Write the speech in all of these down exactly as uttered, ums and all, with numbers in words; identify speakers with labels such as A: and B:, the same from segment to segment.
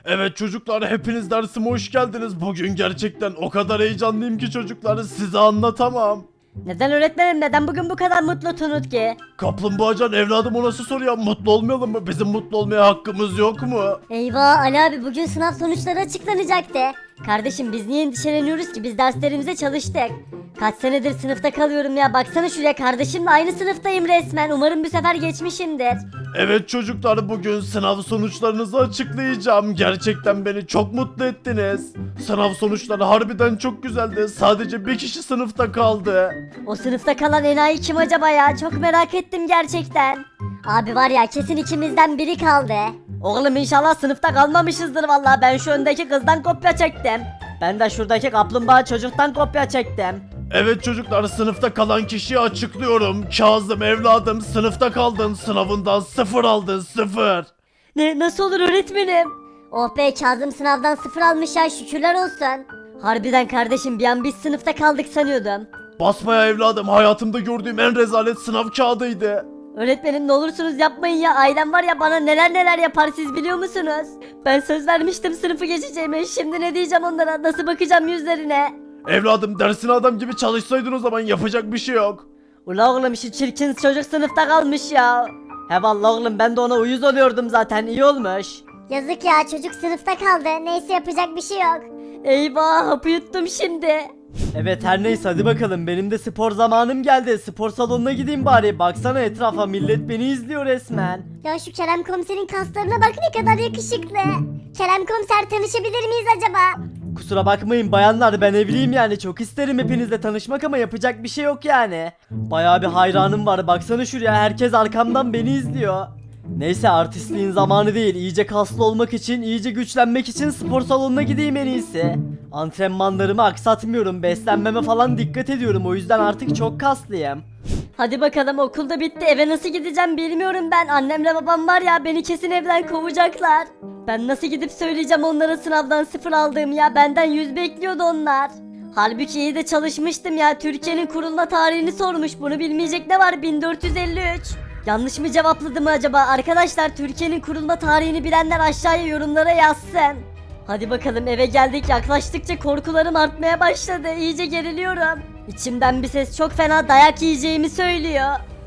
A: Evet çocuklar, hepiniz dersime hoş geldiniz. Bugün gerçekten o kadar heyecanlıyım ki çocuklar, size anlatamam.
B: Neden öğretmenim, neden bugün bu kadar mutlu Tunut ki?
A: Kaplumbağacan evladım, o nasıl soru ya? Mutlu olmayalım mı? Bizim mutlu olmaya hakkımız yok mu?
B: Eyvah Ali abi, bugün sınav sonuçları açıklanacaktı. Kardeşim biz niye endişeleniyoruz ki, biz derslerimize çalıştık. Kaç senedir sınıfta kalıyorum ya, baksana şuraya, kardeşimle aynı sınıftayım resmen, umarım bu sefer geçmişimdir.
A: Evet çocuklar, bugün sınav sonuçlarınızı açıklayacağım. Gerçekten beni çok mutlu ettiniz. Sınav sonuçları harbiden çok güzeldi. Sadece bir kişi sınıfta kaldı.
B: O sınıfta kalan enayi kim acaba ya, çok merak ettim gerçekten. Abi var ya, kesin ikimizden biri kaldı. Oğlum inşallah sınıfta kalmamışızdır vallahi, ben şu öndeki kızdan kopya çektim. Ben de şuradaki kaplumbağa çocuktan kopya çektim.
A: Evet çocuklar, sınıfta kalan kişiyi açıklıyorum. Kazım evladım, sınıfta kaldın. Sınavından sıfır aldın, sıfır.
B: Ne, nasıl olur öğretmenim? Oh be, Kazım sınavdan sıfır almış ya, şükürler olsun. Harbiden kardeşim, bir an biz sınıfta kaldık sanıyordum.
A: Basmaya evladım, hayatımda gördüğüm en rezalet sınav kağıdıydı.
B: Öğretmenim ne olursunuz yapmayın ya, ailem var ya, bana neler neler yapar, siz biliyor musunuz? Ben söz vermiştim sınıfı geçeceğime, şimdi ne diyeceğim onlara, nasıl bakacağım yüzlerine?
A: Evladım, dersine adam gibi çalışsaydın o zaman, yapacak bir şey yok.
B: Ula oğlum, şu çirkin çocuk sınıfta kalmış ya. He vallahi oğlum, ben de ona uyuz oluyordum zaten, iyi olmuş.
C: Yazık ya, çocuk sınıfta kaldı. Neyse, yapacak bir şey yok.
B: Eyvah, hapı yuttum şimdi.
D: Evet her neyse, hadi bakalım, benim de spor zamanım geldi. Spor salonuna gideyim bari. Baksana etrafa, millet beni izliyor resmen.
C: Ya şu Kerem komiserin kaslarına bak, ne kadar yakışıklı. Kerem komiser, tanışabilir miyiz acaba?
D: Kusura bakmayın bayanlar, ben evliyim yani, çok isterim hepinizle tanışmak ama yapacak bir şey yok yani. Bayağı bir hayranım var, baksana şuraya, herkes arkamdan beni izliyor. Neyse, artistliğin zamanı değil, iyice kaslı olmak için, iyice güçlenmek için spor salonuna gideyim en iyisi. Antrenmanlarımı aksatmıyorum, beslenmeme falan dikkat ediyorum, o yüzden artık çok kaslıyım.
B: Hadi bakalım, okulda bitti, eve nasıl gideceğim bilmiyorum ben. Annemle babam var ya, beni kesin evden kovacaklar. Ben nasıl gidip söyleyeceğim onlara sınavdan sıfır aldığım ya, benden yüz bekliyordu onlar. Halbuki iyi de çalışmıştım ya, Türkiye'nin kurulma tarihini sormuş, bunu bilmeyecek ne var, bin dört yüz elli üç. Yanlış mı cevapladım acaba? Arkadaşlar, Türkiye'nin kurulma tarihini bilenler aşağıya yorumlara yazsın. Hadi bakalım, eve geldik, yaklaştıkça korkularım artmaya başladı, iyice geriliyorum. İçimden bir ses çok fena dayak yiyeceğimi söylüyor.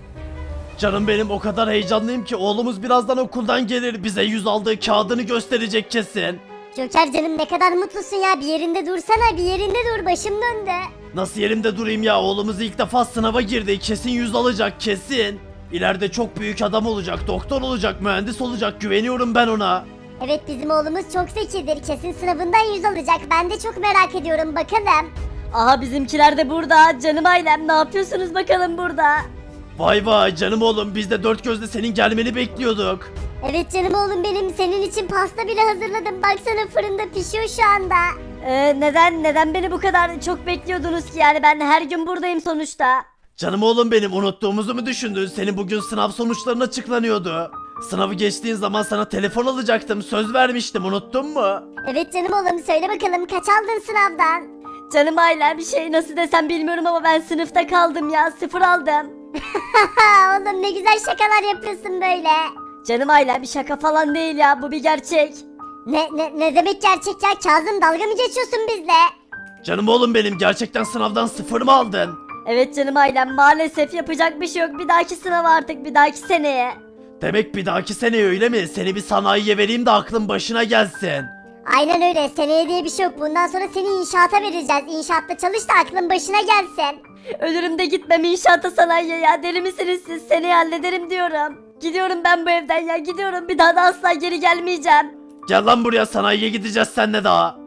A: Canım benim, o kadar heyecanlıyım ki oğlumuz birazdan okuldan gelir, bize yüz aldığı kağıdını gösterecek kesin.
C: Joker canım, ne kadar mutlusun ya. Bir yerinde dursana, bir yerinde dur, başım döndü.
A: Nasıl yerimde durayım ya, oğlumuz ilk defa sınava girdi, kesin yüz alacak kesin. İleride çok büyük adam olacak, doktor olacak, mühendis olacak, güveniyorum ben ona.
C: Evet, bizim oğlumuz çok zekidir. Kesin sınavından yüz alacak. Ben de çok merak ediyorum, bakalım.
B: Aha, bizimkiler de burada, canım ailem, ne yapıyorsunuz bakalım burada?
A: Vay vay canım oğlum, biz de dört gözle senin gelmeni bekliyorduk.
C: Evet canım oğlum benim, senin için pasta bile hazırladım. Baksana, fırında pişiyor şu anda.
B: Ee, neden neden beni bu kadar çok bekliyordunuz ki, yani ben her gün buradayım sonuçta.
A: Canım oğlum benim, unuttuğumuzu mu düşündün? Senin bugün sınav sonuçların açıklanıyordu. Sınavı geçtiğin zaman sana telefon alacaktım, söz vermiştim, unuttun mu?
C: Evet canım oğlum, söyle bakalım, kaç aldın sınavdan?
B: Canım ailem, bir şey nasıl desem bilmiyorum ama ben sınıfta kaldım ya, sıfır aldım.
C: Oğlum ne güzel şakalar yapıyorsun böyle.
B: Canım ailem, bir şaka falan değil ya, bu bir gerçek.
C: Ne, ne, ne demek gerçek ya? Kazım, dalga mı geçiyorsun bizle?
A: Canım oğlum benim, gerçekten sınavdan sıfır mı aldın?
B: Evet canım ailem, maalesef yapacak bir şey yok, bir dahaki sınava artık, bir dahaki seneye.
A: Demek bir dahaki sene öyle mi? Seni bir sanayiye vereyim de aklın başına gelsin.
C: Aynen öyle, seneye diye bir şey yok. Bundan sonra seni inşaata vereceğiz. İnşaatta çalış da aklın başına gelsin.
B: Ölürüm de gitmem inşaata, sanayiye ya, deli misiniz siz, seneye hallederim diyorum. Gidiyorum ben bu evden ya, gidiyorum, bir daha da asla geri gelmeyeceğim.
A: Gel lan buraya, sanayiye gideceğiz seninle daha.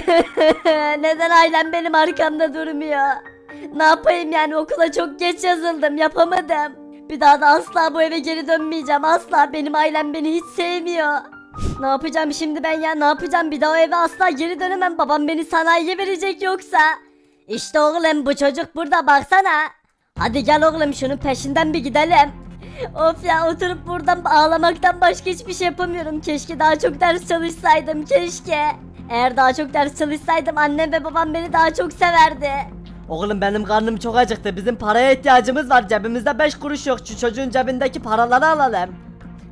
B: Neden ailem benim arkamda durmuyor? Ne yapayım yani, okula çok geç yazıldım, yapamadım. Bir daha da asla bu eve geri dönmeyeceğim, asla, benim ailem beni hiç sevmiyor. Ne yapacağım şimdi ben ya, ne yapacağım, bir daha o eve asla geri dönemem, babam beni sanayiye verecek yoksa. İşte oğlum, bu çocuk burada, baksana. Hadi gel oğlum, şunun peşinden bir gidelim. Of ya, oturup buradan ağlamaktan başka hiçbir şey yapamıyorum. Keşke daha çok ders çalışsaydım, keşke. Eğer daha çok ders çalışsaydım annem ve babam beni daha çok severdi.
D: Oğlum benim karnım çok acıktı, bizim paraya ihtiyacımız var, cebimizde beş kuruş yok, şu çocuğun cebindeki paraları alalım.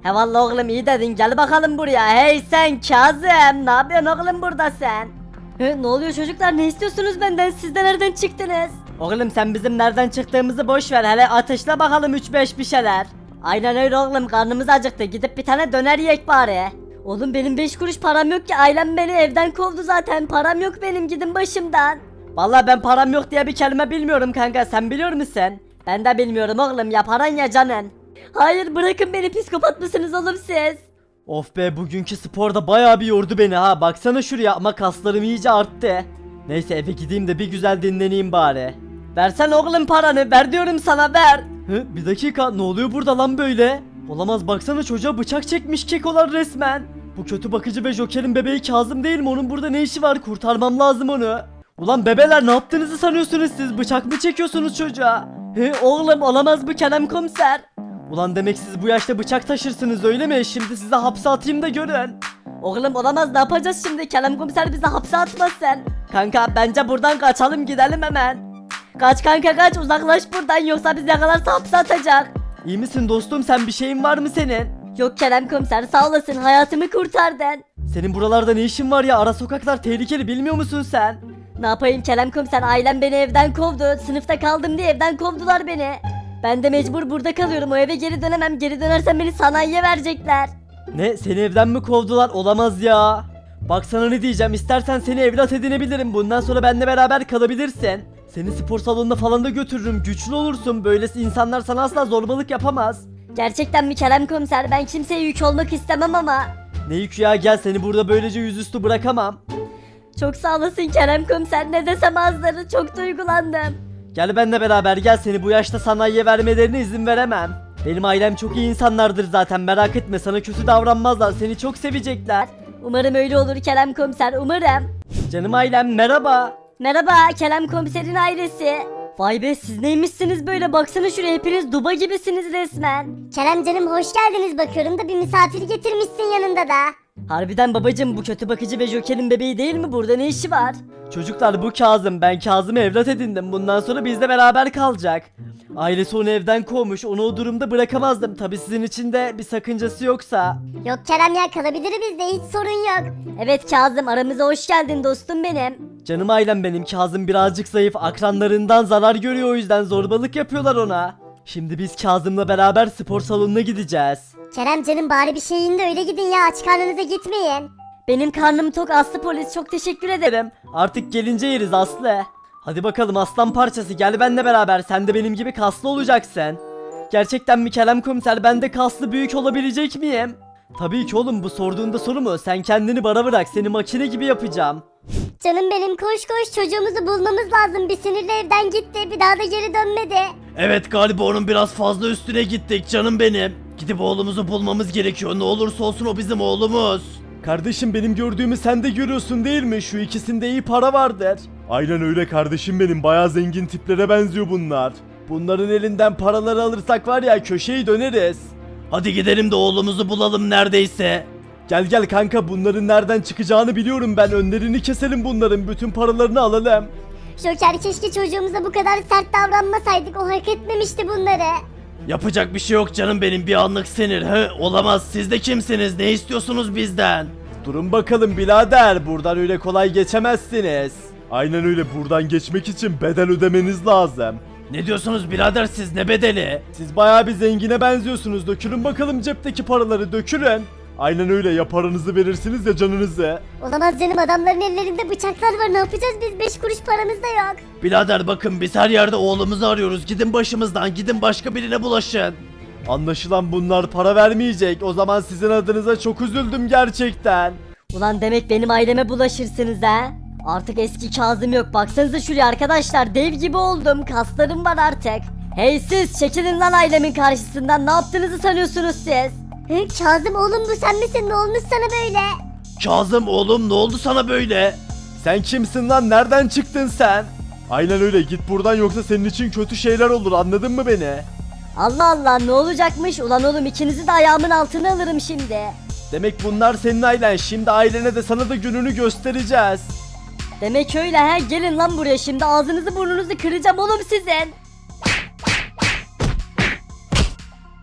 B: He valla oğlum iyi dedin, gel bakalım buraya. Hey sen Kazım, ne yapıyorsun oğlum burada sen? He, ne oluyor çocuklar, ne istiyorsunuz benden, siz de nereden çıktınız?
D: Oğlum sen bizim nereden çıktığımızı boş ver, hele ateşle bakalım üç beş bir şeyler.
B: Aynen öyle oğlum, karnımız acıktı, gidip bir tane döner yiyek bari. Oğlum benim beş kuruş param yok ki, ailem beni evden kovdu zaten, param yok benim, gidin başımdan.
D: Vallahi ben param yok diye bir kelime bilmiyorum kanka, sen biliyor musun?
B: Ben de bilmiyorum oğlum, ya paran ya canın. Hayır bırakın beni, psikopat mısınız oğlum siz?
D: Of be, bugünkü sporda bayağı bir yordu beni ha, baksana şuraya, ama kaslarım iyice arttı. Neyse eve gideyim de bir güzel dinleneyim bari.
B: Versen oğlum paranı, ver diyorum sana, ver.
D: Hı, bir dakika, ne oluyor burada lan böyle? Olamaz, baksana çocuğa bıçak çekmiş kekolar resmen. Bu kötü bakıcı ve Joker'in bebeği Kazım değil mi? Onun burada ne işi var? Kurtarmam lazım onu. Ulan bebeler, ne yaptığınızı sanıyorsunuz siz? Bıçak mı çekiyorsunuz çocuğa? He oğlum, olamaz bu Kerem komiser. Ulan demek siz bu yaşta bıçak taşırsınız öyle mi? Şimdi size hapse atayım da görün.
B: Oğlum olamaz, ne yapacağız şimdi? Kerem komiser bizi hapse atmasın.
D: Kanka bence buradan kaçalım, gidelim hemen.
B: Kaç kanka kaç, uzaklaş buradan, yoksa bizi yakalarsa hapse atacak.
D: İyi misin dostum, sen bir şeyin var mı senin?
B: Yok Kerem komiser, sağ olasın, hayatımı kurtardın.
D: Senin buralarda ne işin var ya? Ara sokaklar tehlikeli, bilmiyor musun sen?
B: Ne yapayım Kerem komiser, ailem beni evden kovdu, sınıfta kaldım diye evden kovdular beni. Ben de mecbur burada kalıyorum, o eve geri dönemem, geri dönersem beni sanayiye verecekler.
D: Ne, seni evden mi kovdular? Olamaz ya. Bak sana ne diyeceğim, istersen seni evlat edinebilirim, bundan sonra benimle beraber kalabilirsin. Seni spor salonuna falan da götürürüm, güçlü olursun, böylesi insanlar sana asla zorbalık yapamaz.
B: Gerçekten mi Kerem komiser, ben kimseye yük olmak istemem ama.
D: Ne yük ya, gel, seni burada böylece yüzüstü bırakamam.
B: Çok sağ olasın Kerem komiser, ne desem azları, çok duygulandım.
D: Gel benimle beraber, gel, seni bu yaşta sanayiye vermelerine izin veremem. Benim ailem çok iyi insanlardır zaten, merak etme, sana kötü davranmazlar, seni çok sevecekler.
B: Umarım öyle olur Kerem komiser, umarım.
D: Canım ailem, merhaba.
B: Merhaba Kerem komiserin ailesi. Vay be, siz neymişsiniz böyle, baksana şuraya, hepiniz duba gibisiniz resmen.
C: Kerem canım hoş geldiniz, bakıyorum da bir misafir getirmişsin yanında da.
B: Harbiden babacım, bu kötü bakıcı ve Joker'in bebeği değil mi, burada ne işi var?
D: Çocuklar, bu Kazım, ben Kazım'ı evlat edindim, bundan sonra bizle beraber kalacak. Ailesi onu evden kovmuş, onu o durumda bırakamazdım, tabi sizin için de bir sakıncası yoksa.
C: Yok Kerem ya, kalabilir bizde, hiç sorun yok.
B: Evet Kazım, aramıza hoş geldin dostum benim.
D: Canım ailem benim, Kazım birazcık zayıf, akranlarından zarar görüyor, o yüzden zorbalık yapıyorlar ona. Şimdi biz Kazım'la beraber spor salonuna gideceğiz.
C: Kerem canım bari bir şey yiyin de öyle gidin ya, aç karnınıza gitmeyin.
B: Benim karnım tok Aslı polis, çok teşekkür ederim.
D: Derim, artık gelince yeriz Aslı. Hadi bakalım aslan parçası, gel benimle beraber, sen de benim gibi kaslı olacaksın. Gerçekten mi Kerem komiser, ben de kaslı büyük olabilecek miyim? Tabii ki oğlum, bu sorduğunda soru mu? Sen kendini bana bırak, seni makine gibi yapacağım.
C: Canım benim, koş koş, çocuğumuzu bulmamız lazım, bir sinirle evden gitti, bir daha da geri dönmedi.
A: Evet, galiba onun biraz fazla üstüne gittik canım benim. Gidip oğlumuzu bulmamız gerekiyor, ne olursa olsun o bizim oğlumuz.
E: Kardeşim, benim gördüğümü sen de görüyorsun değil mi? Şu ikisinde iyi para vardır. Aynen öyle kardeşim benim. Bayağı zengin tiplere benziyor bunlar. Bunların elinden paraları alırsak var ya, köşeyi döneriz.
A: Hadi gidelim de oğlumuzu bulalım neredeyse.
E: Gel gel kanka, bunların nereden çıkacağını biliyorum ben. Önlerini keselim bunların. Bütün paralarını alalım.
C: Joker, keşke çocuğumuza bu kadar sert davranmasaydık, o hak etmemişti bunları.
A: Yapacak bir şey yok canım benim, bir anlık sinir. He, olamaz, siz de kimsiniz, ne istiyorsunuz bizden?
E: Durun bakalım birader. Buradan öyle kolay geçemezsiniz. Aynen öyle, buradan geçmek için bedel ödemeniz lazım.
A: Ne diyorsunuz birader, siz ne bedeli?
E: Siz bayağı bir zengine benziyorsunuz. Dökülün bakalım cepteki paraları, dökülün. Aynen öyle, ya paranızı verirsiniz ya canınızı.
C: Olamaz canım, adamların ellerinde bıçaklar var, ne yapacağız biz, beş kuruş paramız da yok.
A: Birader bakın, biz her yerde oğlumuzu arıyoruz, gidin başımızdan, gidin başka birine bulaşın.
E: Anlaşılan bunlar para vermeyecek. O zaman sizin adınıza çok üzüldüm gerçekten.
B: Ulan demek benim aileme bulaşırsınız ha? Artık eski Kazım yok, baksanıza şuraya arkadaşlar, dev gibi oldum, kaslarım var artık. Hey siz, çekilin lan ailemin karşısından, ne yaptığınızı sanıyorsunuz siz?
C: Hı, Kazım oğlum, bu sen misin, ne olmuş sana böyle?
A: Kazım oğlum, ne oldu sana böyle?
E: Sen kimsin lan? Nereden çıktın sen? Aynen öyle, git buradan yoksa senin için kötü şeyler olur, anladın mı beni?
B: Allah Allah, ne olacakmış? Ulan oğlum, ikinizi de ayağımın altına alırım şimdi.
E: Demek bunlar senin ailen. Şimdi ailene de sana da gününü göstereceğiz.
B: Demek öyle he, gelin lan buraya, şimdi ağzınızı burnunuzu kıracağım oğlum sizin.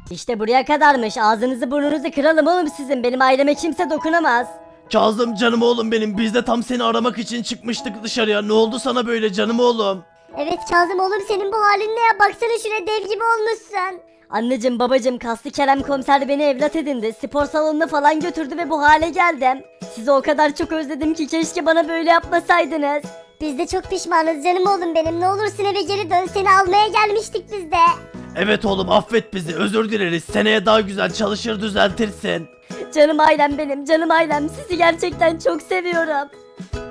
B: İşte buraya kadarmış. Ağzınızı burnunuzu kıralım oğlum sizin. Benim aileme kimse dokunamaz.
A: Kazım canım oğlum benim, biz de tam seni aramak için çıkmıştık dışarıya. Ne oldu sana böyle canım oğlum?
C: Evet Kazım oğlum senin bu halin ne ya? Baksana şuraya dev gibi olmuşsun.
B: Anneciğim babacığım kaslı Kerem komiser beni evlat edindi. Spor salonuna falan götürdü ve bu hale geldim. Sizi o kadar çok özledim ki keşke bana böyle yapmasaydınız.
C: Biz de çok pişmanız canım oğlum benim. Ne olursun eve geri dön. Seni almaya gelmiştik biz de.
A: Evet oğlum, affet bizi, özür dileriz. Seneye daha güzel çalışır düzeltirsin.
B: Canım ailem benim, canım ailem. Sizi gerçekten çok seviyorum.